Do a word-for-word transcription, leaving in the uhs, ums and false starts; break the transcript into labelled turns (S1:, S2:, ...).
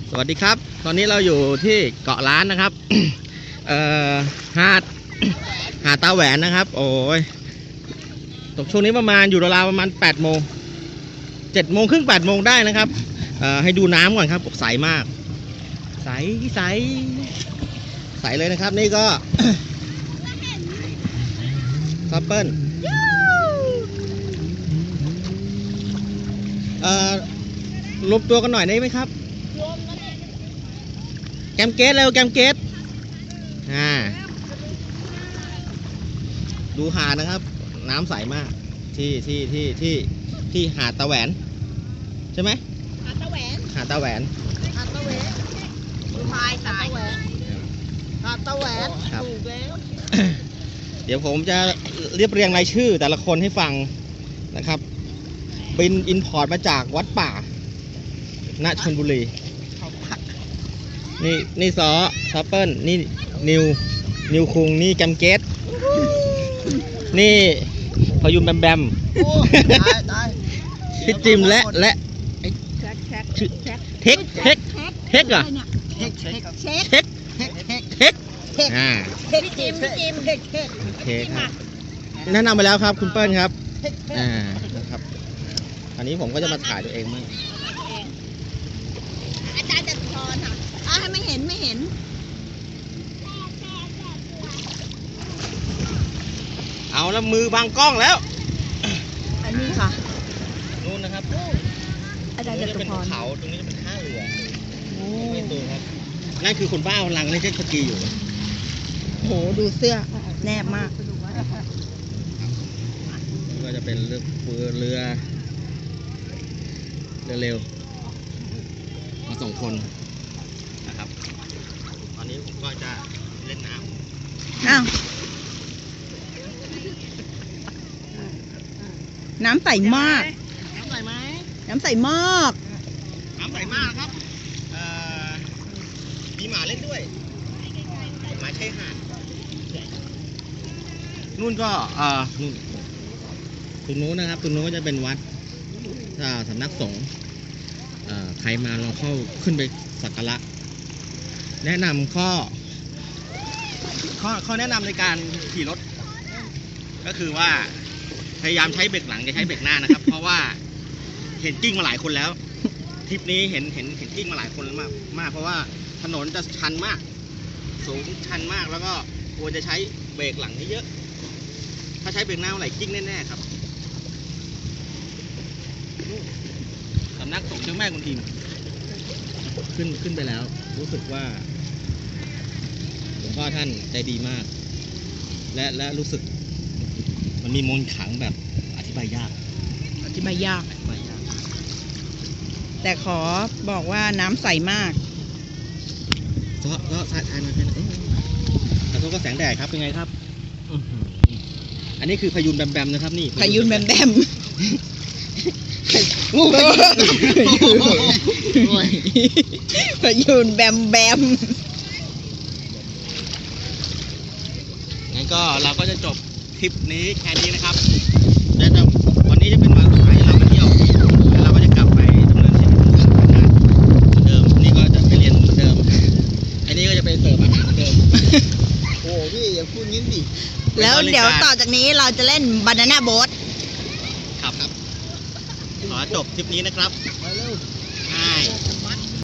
S1: สวัสดีครับตอนนี้เราอยู่ที่เกาะล้านนะครับเอ่อหาดหาดตาแหวนนะครับโอ้ยตกช่วงนี้ประมาณอยู่ราวๆประมาณแปดโมงเจ็ดโมงครึ่งแปดโมงได้นะครับเอ่อให้ดูน้ำก่อนครับใสมากใสใสใสเลยนะครับนี่ก็ซัปเปิลเอ่อรวมตัวกันหน่อยได้ไหมครับแกมเกตเร็วแกมเกตอ่าดูหาดนะครับน้ำใสมากที่ที่ที่ที่ที่หาดตาแหวนใช่ไหม
S2: หาดตะแหวน
S1: หาดตาแหวน
S2: หาดตะแหวนพายสายหาดตะแหวนถูกแล้ว
S1: เดี๋ยวผมจะเรียบเรียงรายชื่อแต่ละคนให้ฟังนะครับบินอินพอร์ตมาจากวัดป่าณชลบุรีนี่นี่ซอซัปเปิลนี่นิวนิวคุงนี่แกมเกตนี่พยุนแบมแบมพี่จิมและและเทคเทคเทคอะ
S2: เช็คเช็คเช็ค
S1: เทคเทคอ่า
S2: เช็คจิมจิมเช็คเช็ค
S1: โอเคครับแนะนำไปแล้วครับคุณเปิ้ลครับอ่านะครับอันนี้ผมก็จะมาถ่ายตัวเองมั่ง
S2: อาจารย์จะพรค่ะอ่าให้ไม่เห็นไม่เห็น
S1: เอาแล้วมือบังกล้องแล้ว
S2: อันนี้ค่ะ
S1: นู่นนะครับ
S2: อาจารย์จะเป็นภู
S1: เขาตรงนี้จะเป็นท่าเรือโอ้ไม่ตูครับนั่นคือคนบ้าพลังนี่เจ็ตสกีอยู่
S2: โหดูเสื้อแนบมาก
S1: นี่ก็จะเป็นเรือเรือเรือเร็วมาส่งคนนะครับตอนนี้ผมก็จะเล่นน้ำ
S2: อ้าวน้ำใสมาก
S1: น้ำใสไหม
S2: น้ำใสมาก
S1: น้ำใสมากครับมีหมาเล่นด้วยหมาชายหาดนู่นก็เอ่อนู่นตรงนู้นนะครับตรงนู้นก็จะเป็นวัดสำนักสงฆ์ใครมาลองเข้าขึ้นไปสักการะแนะนำข้อข้อข้อแนะนำในการขี่รถก็คือว่าพยายามใช้เบรกหลังอย่าใช้เบรกหน้านะครับ เพราะว่าเห็นกิ้งมาหลายคนแล้วทริปนี้เห็นเห็นเห็นกิ้งมาหลายคนมากมากเพราะว่าถนนจะชันมากสูงชันมากแล้วก็ควรจะใช้เบรกหลังเยอะถ้าใช้เบรกหน้าเมื่อไหร่กิ้งแน่ๆครับสำนักสงฆ์เจ้าแม่กุนอิมขึ้นขึ้นไปแล้วรู้สึกว่าหลวงพ่อท่านใจดีมากและและรู้สึกมันมีมนต์ขลังแบบอธิบายยาก
S2: อธิบายยากแต่ขอบอกว่าน้ำใสมาก
S1: ก็ก็ถ่ายถ่ายมาเป็นแต่ทุกก็แสงแดดครับเป็นไงครับอันนี้คือพยุนแบมแบมนะครับนี่
S2: พยุนแบมแบมพยุนแบมแบม
S1: งั้นก็เราก็จะจบทริปนี้แค่นี้นะครับแล้ววันนี้จะเป็นวันสุดท้ายที่เราไปเที่ยวแล้วเราก็จะกลับไปดำเนินชีวิตเหมือนเดิมนี่ก็จะไปเรียนเหมือนเดิมอันนี้ก็จะไปเสิร์ฟอาหารเหมือนเดิมโอ้พี่อย่าพูดงี้ดิ
S2: แล้วเดี๋ยวต่อจากนี้เราจะเล่นบานาน่าโบ๊ท
S1: ครับครับขอจบทริปนี้นะครับ